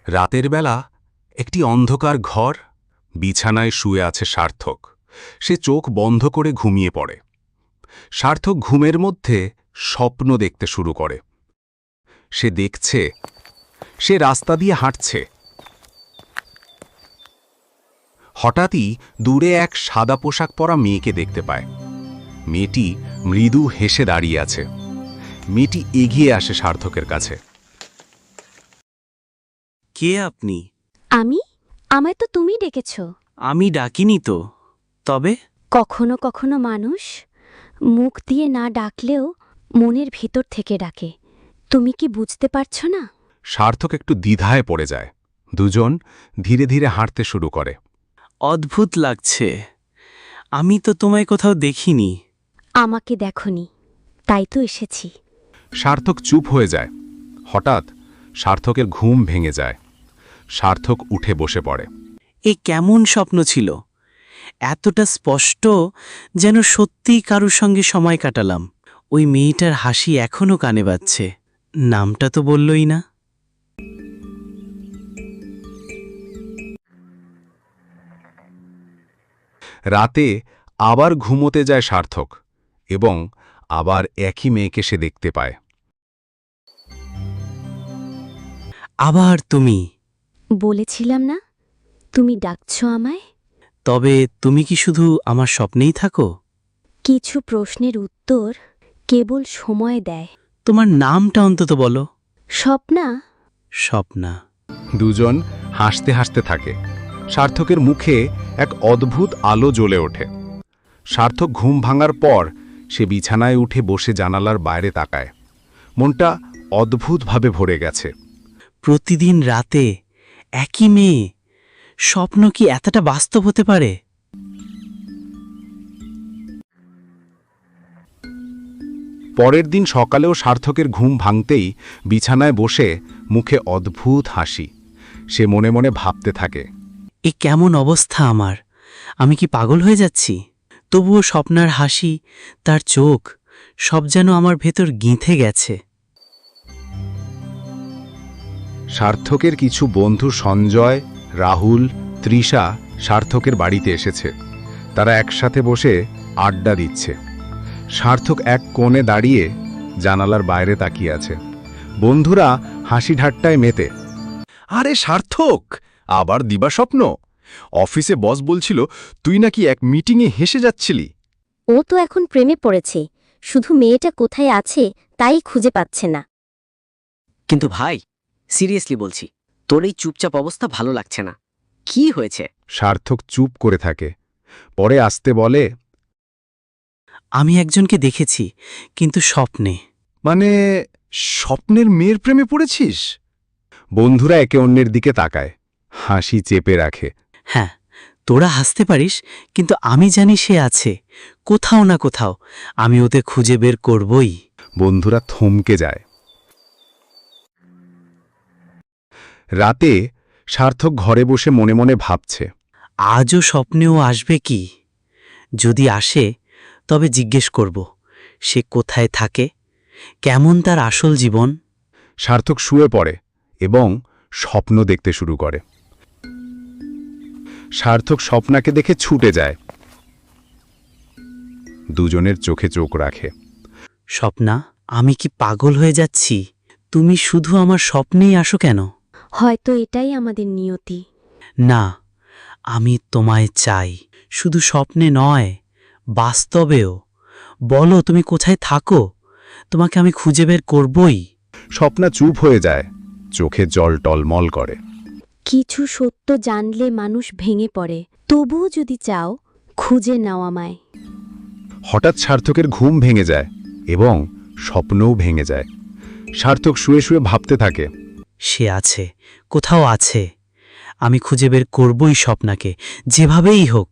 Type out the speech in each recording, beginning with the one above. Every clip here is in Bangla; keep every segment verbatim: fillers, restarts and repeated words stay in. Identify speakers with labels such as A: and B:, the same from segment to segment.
A: রাতের বেলা একটি অন্ধকার ঘর, বিছানায় শুয়ে আছে সার্থক। সে চোখ বন্ধ করে ঘুমিয়ে পড়ে। সার্থক ঘুমের মধ্যে স্বপ্ন দেখতে শুরু করে। সে দেখছে, সে রাস্তা দিয়ে হাঁটছে। হঠাৎই দূরে এক সাদা পোশাক পরা মেয়েকে দেখতে পায়। মেয়েটি মৃদু হেসে দাঁড়িয়ে আছে। মেয়েটি এগিয়ে আসে সার্থকের কাছে।
B: কে আপনি?
C: আমি? আমায় তো তুমি ডেকেছ।
B: আমি ডাকিনি তো। তবে
C: কখনো কখনো মানুষ মুখ দিয়ে না ডাকলেও মনের ভিতর থেকে ডাকে। তুমি কি বুঝতে পারছো না?
A: সার্থক একটু দ্বিধায় পড়ে যায়। দুজন ধীরে ধীরে হাঁটতে শুরু করে।
B: অদ্ভুত লাগছে। আমি তো তোমায় কোথাও দেখিনি।
C: আমাকে দেখনি, তাই তো এসেছি।
A: সার্থক চুপ হয়ে যায়। হঠাৎ সার্থকের ঘুম ভেঙে যায়। সার্থক উঠে বসে পড়ে।
B: এ কেমন স্বপ্ন ছিল? এতটা স্পষ্ট, যেন সত্যিই কারুর সঙ্গে সময় কাটালাম। ওই মেয়েটার হাসি এখনো কানে বাজছে। নামটা তো বললই না।
A: রাতে আবার ঘুমোতে যায় সার্থক এবং আবার একই মেয়েকে সে দেখতে পায়।
B: আবার তুমি?
C: বলেছিলাম না, তুমি ডাকছ আমায়।
B: তবে তুমি কি শুধু আমার স্বপ্নেই থাকো?
C: কিছু প্রশ্নের উত্তর কেবল সময় দেয়।
B: তোমার নামটা অন্তত বলো।
C: স্বপ্না।
B: স্বপ্না।
A: দুজন হাসতে হাসতে থাকে। সার্থকের মুখে এক অদ্ভুত আলো জ্বলে ওঠে। সার্থক ঘুম ভাঙার পর সে বিছানায় উঠে বসে জানালার বাইরে তাকায়। মনটা অদ্ভুতভাবে ভরে গেছে।
B: প্রতিদিন রাতে একই মেয়ে, স্বপ্ন কি এতটা বাস্তব হতে পারে?
A: পরের দিন সকালেও সার্থকের ঘুম ভাঙতেই বিছানায় বসে মুখে অদ্ভুত হাসি। সে মনে মনে ভাবতে থাকে,
B: এ কেমন অবস্থা আমার? আমি কি পাগল হয়ে যাচ্ছি? তবুও স্বপ্নার হাসি, তার চোখ, সব যেন আমার ভেতর গিঁথে গেছে।
A: সার্থকের কিছু বন্ধু সঞ্জয়, রাহুল, তৃষা সার্থকের বাড়িতে এসেছে। তারা একসাথে বসে আড্ডা দিচ্ছে। সার্থক এক কোণে দাঁড়িয়ে জানালার বাইরে তাকিয়ে আছে। বন্ধুরা হাসি ঠাট্টায় মেতে।
D: আরে সার্থক, আবার দিবাস্বপ্ন? অফিসে বস বলছিল তুই নাকি এক মিটিংয়ে হেসে যাচ্ছিলি।
C: ও তো এখন প্রেমে পড়েছে, শুধু মেয়েটা কোথায় আছে তাই খুঁজে পাচ্ছে না।
E: কিন্তু ভাই, সিরিয়াসলি বলছি, তোর এই চুপচাপ অবস্থা ভালো লাগছে না। কি হয়েছে?
A: সার্থক চুপ করে থাকে। পরে আসতে বলে,
B: আমি একজনকে দেখেছি, কিন্তু স্বপ্নে।
D: মানে স্বপ্নের মেয়ের প্রেমে পড়েছিস?
A: বন্ধুরা একে অন্যের দিকে তাকায়, হাসি চেপে রাখে।
B: হ্যাঁ, তোরা হাসতে পারিস, কিন্তু আমি জানি সে আছে কোথাও না কোথাও। আমি ওতে খুঁজে বের করবই।
A: বন্ধুরা থমকে যায়। রাতে সার্থক ঘরে বসে মনে মনে ভাবছে,
B: আজও স্বপ্নেও আসবে কি? যদি আসে, তবে জিজ্ঞেস করব সে কোথায় থাকে, কেমন তার আসল জীবন।
A: সার্থক শুয়ে পড়ে এবং স্বপ্ন দেখতে শুরু করে। সার্থক স্বপ্নাকে দেখে ছুটে যায়। দুজনের চোখে চোখ রাখে।
B: স্বপ্না, আমি কি পাগল হয়ে যাচ্ছি? তুমি শুধু আমার স্বপ্নেই আসো কেন?
C: হয়তো এটাই আমাদের নিয়তি।
B: না, আমি তোমায় চাই, শুধু স্বপ্নে নয়, বাস্তবেও। বলো তুমি কোথায় থাকো, তোমাকে আমি খুঁজে বের করবই।
A: স্বপ্না চুপ হয়ে যায়, চোখে জল টলমল করে।
C: কিছু সত্য জানলে মানুষ ভেঙে পড়ে, তবুও যদি চাও খুঁজে নাও আমায়।
A: হঠাৎ সার্থকের ঘুম ভেঙে যায় এবং স্বপ্নও ভেঙে যায়। সার্থক শুয়ে শুয়ে ভাবতে থাকে,
B: সে আছে, কোথাও আছে। আমি খুঁজে বের করবই স্বপ্নাকে, যেভাবেই হোক।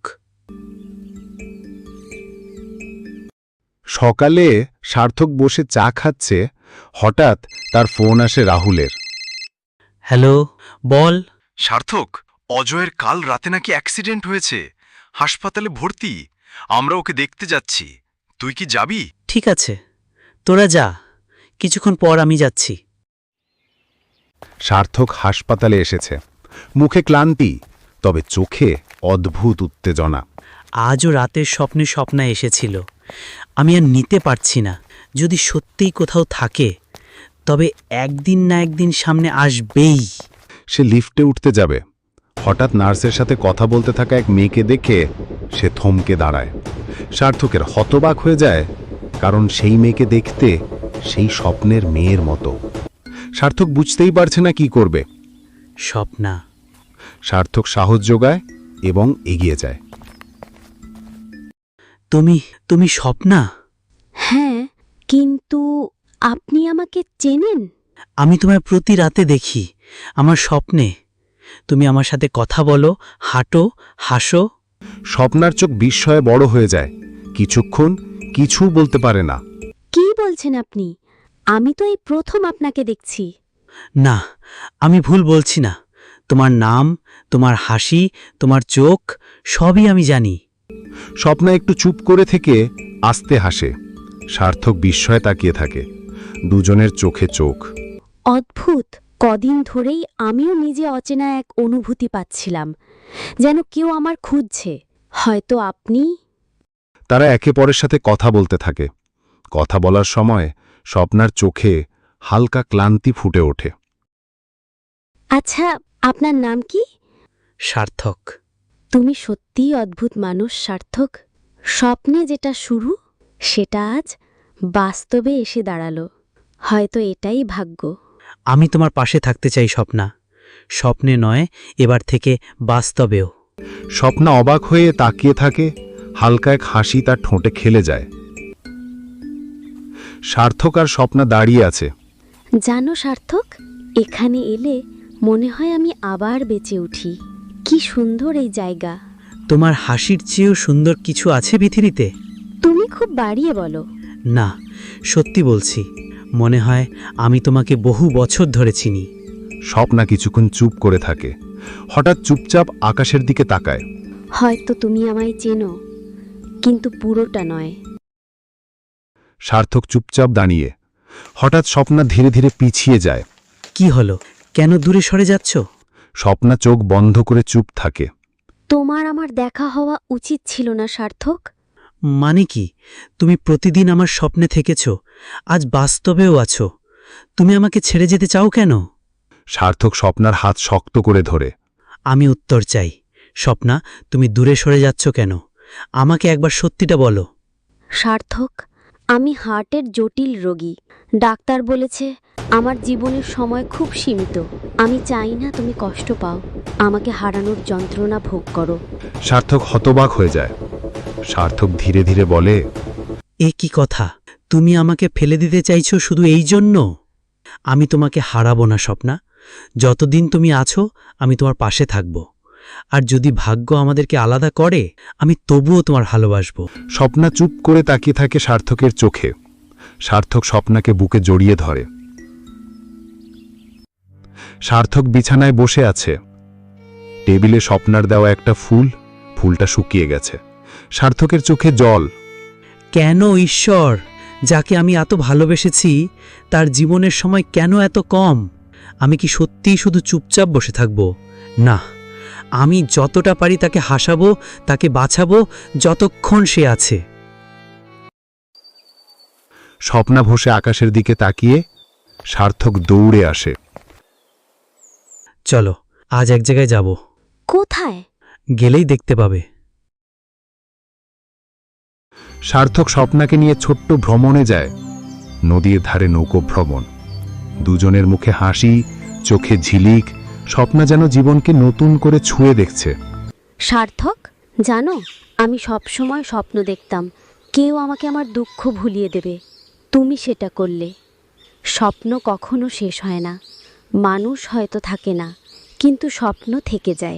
A: সকালে সার্থক বসে চা খাচ্ছে। হঠাৎ তার ফোন আসে রাহুলের।
B: হ্যালো, বল।
D: সার্থক, অজয়ের কাল রাতে নাকি অ্যাক্সিডেন্ট হয়েছে, হাসপাতালে ভর্তি। আমরা ওকে দেখতে যাচ্ছি, তুই কি যাবি?
B: ঠিক আছে, তোরা যা, কিছুক্ষণ পর আমি যাচ্ছি।
A: সার্থক হাসপাতালে এসেছে, মুখে ক্লান্তি, তবে চোখে অদ্ভুত উত্তেজনা।
B: আজও রাতের স্বপ্নে স্বপ্না এসেছিল। আমি আর নিতে পারছি না। যদি সত্যিই কোথাও থাকে, তবে একদিন না একদিন সামনে আসবেই।
A: সে লিফটে উঠতে যাবে, হঠাৎ নার্সের সাথে কথা বলতে থাকা এক মেয়েকে দেখে সে থমকে দাঁড়ায়। সার্থকের হতবাক হয়ে যায়, কারণ সেই মেয়েকে দেখতে সেই স্বপ্নের মেয়ের মতো। সার্থক বুঝতেই পারছে না কি করবে।
B: স্বপ্না।
A: সার্থক সাহস যোগায় এবং এগিয়ে যায়।
B: তুমি তুমি স্বপ্না?
C: হ্যাঁ, কিন্তু আপনি আমাকে চেনেন?
B: আমি তোমায় প্রতি রাতে দেখি, আমার স্বপ্নে। তুমি আমার সাথে কথা বলো, হাঁটো, হাসো।
A: স্বপ্নার চোখ বিস্ময়ে বড় হয়ে যায়, কিছুক্ষণ কিছু বলতে পারে না।
C: কি বলছেন আপনি? আমি তো এই প্রথম আপনাকে দেখছি।
B: না, আমি ভুল বলছি না। তোমার নাম, তোমার হাসি, তোমার চোখ, সবই আমি জানি।
A: স্বপ্না একটু চুপ করে থেকে আস্তে হাসে। সার্থক বিস্ময়ে তাকিয়ে থাকে, দুজনের চোখে চোখ।
C: অদ্ভুত, কদিন ধরেই আমিও নিজে অচেনা এক অনুভূতি পাচ্ছিলাম, যেন কেউ আমার খুঁজছে। হয়তো আপনি।
A: তারা একে পরের সাথে কথা বলতে থাকে। কথা বলার সময় স্বপ্নার চোখে হালকা ক্লান্তি ফুটে ওঠে।
C: আচ্ছা, আপনার নাম কি?
B: সার্থক।
C: তুমি সত্যিই অদ্ভুত মানুষ সার্থক। স্বপ্নে যেটা শুরু, সেটা আজ বাস্তবে এসে দাঁড়ালো। হয়তো এটাই ভাগ্য।
B: আমি তোমার পাশে থাকতে চাই স্বপ্না। স্বপ্নে নয়, এবার থেকে বাস্তবেও।
A: স্বপ্না অবাক হয়ে তাকিয়ে থাকে, হালকা এক হাসি তার ঠোঁটে খেলে যায়। সার্থক আর স্বপ্না দাঁড়িয়ে আছে।
C: জানো সার্থক, এখানে এলে মনে হয় আমি আবার বেঁচে উঠি। কি সুন্দর এই জায়গা।
B: তোমার হাসির চেয়েও সুন্দর কিছু আছে পৃথিবীতে?
C: তুমি খুব বাড়িয়ে বলো।
B: না, সত্যি বলছি। মনে হয় আমি তোমাকে বহু বছর ধরে চিনি।
A: স্বপ্না কিছুক্ষণ চুপ করে থাকে, হঠাৎ চুপচাপ আকাশের দিকে তাকায়।
C: হয়তো তুমি আমায় চেনো, কিন্তু পুরোটা নয়।
A: সার্থক চুপচাপ দাঁড়িয়ে। হঠাৎ স্বপ্না ধীরে ধীরে পিছিয়ে যায়।
B: কি হলো? কেন দূরে সরে যাচ্ছ?
A: স্বপ্না চোখ বন্ধ করে চুপ থাকে।
C: তোমার আমার দেখা হওয়া উচিত ছিল না সার্থক।
B: মানে কি? তুমি প্রতিদিন আমার স্বপ্নে থেকেছ, আজ বাস্তবেও আছো। তুমি আমাকে ছেড়ে যেতে চাও কেন?
A: সার্থক স্বপ্নার হাত শক্ত করে ধরে।
B: আমি উত্তর চাই। স্বপ্না, তুমি দূরে সরে যাচ্ছ কেন? আমাকে একবার সত্যিটা বলো।
C: সার্থক, আমি হার্টের জটিল রোগী। ডাক্তার বলেছে আমার জীবনের সময় খুব সীমিত। আমি চাই না তুমি কষ্ট পাও, আমাকে হারানোর যন্ত্রণা ভোগ করো।
A: সার্থক হতবাক হয়ে যায়। সার্থক ধীরে ধীরে বলে,
B: এ কি কথা? তুমি আমাকে ফেলে দিতে চাইছো শুধু এই জন্য? আমি তোমাকে হারাবো না স্বপ্না। যতদিন তুমি আছো আমি তোমার পাশে থাকব। আর যদি ভাগ্য আমাদেরকে আলাদা করে, আমি তবুও তোমার ভালোবাসবো।
A: স্বপ্না চুপ করে তাকিয়ে থাকে সার্থকের চোখে। সার্থক স্বপ্নাকে বুকে জড়িয়ে ধরে। সার্থক বিছানায় বসে আছে। টেবিলে স্বপ্নার দেওয়া একটা ফুল, ফুলটা শুকিয়ে গেছে। সার্থকের চোখে জল।
B: কেন ঈশ্বর, যাকে আমি এত ভালোবেসেছি, তার জীবনের সময় কেন এত কম? আমি কি সত্যিই শুধু চুপচাপ বসে থাকব? না, আমি যতটা পারি তাকে হাসাবো, তাকে বাঁচাবো, যতক্ষণ সে আছে।
A: স্বপ্না বসে আকাশের দিকে তাকিয়ে। সার্থক দৌড়ে আসে।
B: চলো, আজ এক জায়গায় যাব।
C: কোথায়?
B: গেলেই দেখতে পাবে।
A: সার্থক স্বপ্নাকে নিয়ে ছোট্ট ভ্রমণে যায়। নদীর ধারে নৌকো ভ্রমণ। দুজনের মুখে হাসি, চোখে ঝিলিক। স্বপ্না যেন জীবনকে নতুন করে ছুঁয়ে দেখছে।
C: সার্থক, জানো, আমি সবসময় স্বপ্ন দেখতাম কেউ আমাকে আমার দুঃখ ভুলিয়ে দেবে। তুমি সেটা করলে। স্বপ্ন কখনো শেষ হয় না। মানুষ হয়তো থাকে না, কিন্তু স্বপ্ন থেকে যায়।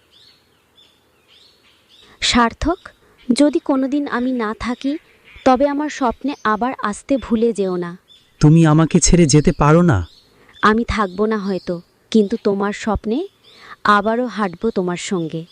C: সার্থক, যদি কোনোদিন আমি না থাকি, তবে আমার স্বপ্নে আবার আসতে ভুলে যেও না।
B: তুমি আমাকে ছেড়ে যেতে পারো না।
C: আমি থাকবো না হয়তো, কিন্তু তোমার স্বপ্নে আবারও হাঁটবো তোমার সঙ্গে।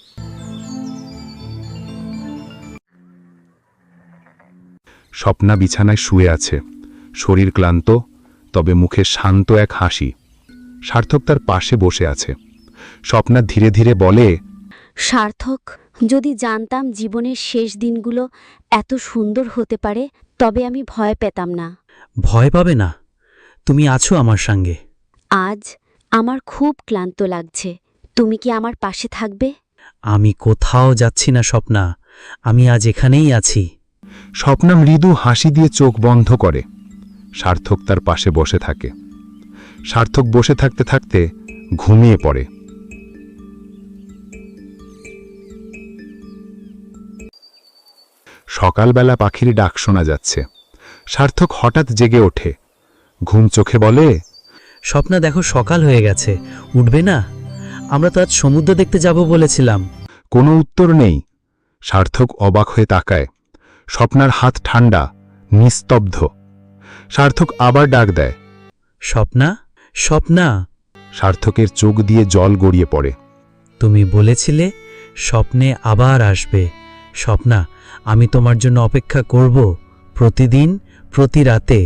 A: স্বপ্না বিছানায় শুয়ে আছে, শরীর ক্লান্ত, তবে মুখে শান্ত এক হাসি। সার্থক তার পাশে বসে আছে। স্বপ্না ধীরে ধীরে বলে,
C: সার্থক, যদি জানতাম জীবনের শেষ দিনগুলো এত সুন্দর হতে পারে তবে আমি ভয় পেতাম না।
B: ভয় পাবে না, তুমি আছো আমার সঙ্গে।
C: আজ আমার খুব ক্লান্ত লাগছে, তুমি কি আমার পাশে থাকবে?
B: আমি কোথাও যাচ্ছি না স্বপ্না, আমি আজ এখানেই আছি।
A: স্বপ্না মৃদু হাসি দিয়ে চোখ বন্ধ করে। সার্থক তার পাশে বসে থাকে। সার্থক বসে থাকতে থাকতে ঘুমিয়ে পড়ে। সকালবেলা পাখির ডাক শোনা যাচ্ছে। সার্থক হঠাৎ জেগে ওঠে। ঘুম চোখে বলে,
B: স্বপ্না দেখো, সকাল হয়ে গেছে, উঠবে না? আমরা তো আজ সমুদ্র দেখতে যাব বলেছিলাম।
A: কোনো উত্তর নেই। সার্থক অবাক হয়ে তাকায়। স্বপ্নার হাত ঠান্ডা, নিস্তব্ধ। সার্থক আবার ডাক দেয়,
B: স্বপ্না, স্বপ্না।
A: সার্থকের চোখ দিয়ে জল গড়িয়ে পড়ে।
B: তুমি বলেছিলে স্বপ্নে আবার আসবে। স্বপ্না, আমি তোমার জন্য অপেক্ষা করব, প্রতিদিন, প্রতি রাতে।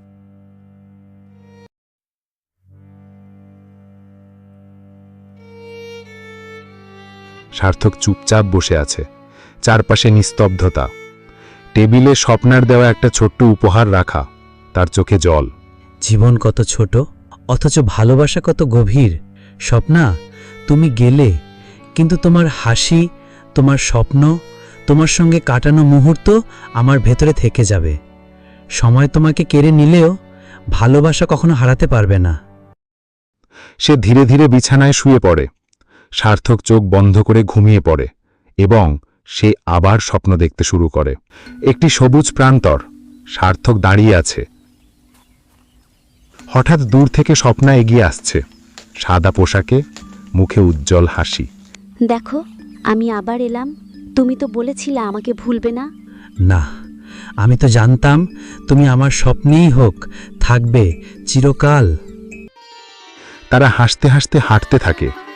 A: সার্থক চুপচাপ বসে আছে। চারপাশে নিস্তব্ধতা। টেবিলে স্বপ্নার দেওয়া একটা ছোট্ট উপহার রাখা, তার চোখে জল।
B: জীবন কত ছোট, অথচ ভালোবাসা কত গভীর। স্বপ্না, তুমি গেলে, কিন্তু তোমার হাসি, তোমার স্বপ্ন, তোমার সঙ্গে কাটানো মুহূর্ত আমার ভেতরে থেকে যাবে। সময় তোমাকে কেড়ে নিলেও ভালোবাসা কখনো হারাতে পারবে না।
A: সে ধীরে ধীরে বিছানায় শুয়ে পড়ে। সার্থক চোখ বন্ধ করে ঘুমিয়ে পড়ে এবং সে আবার স্বপ্ন দেখতে শুরু করে। একটি সবুজ প্রান্তর। সার্থক দাঁড়িয়ে আছে। হঠাৎ দূর থেকে স্বপ্না এগিয়ে আসছে, সাদা পোশাকে, মুখে উজ্জ্বল হাসি।
C: দেখো, আমি আবার এলাম। তুমি তো বলেছিলে আমাকে ভুলবে না।
B: না, আমি তো জানতাম তুমি আমার স্বপ্নেই হোক, থাকবে চিরকাল।
A: তারা হাসতে হাসতে হাঁটতে থাকে।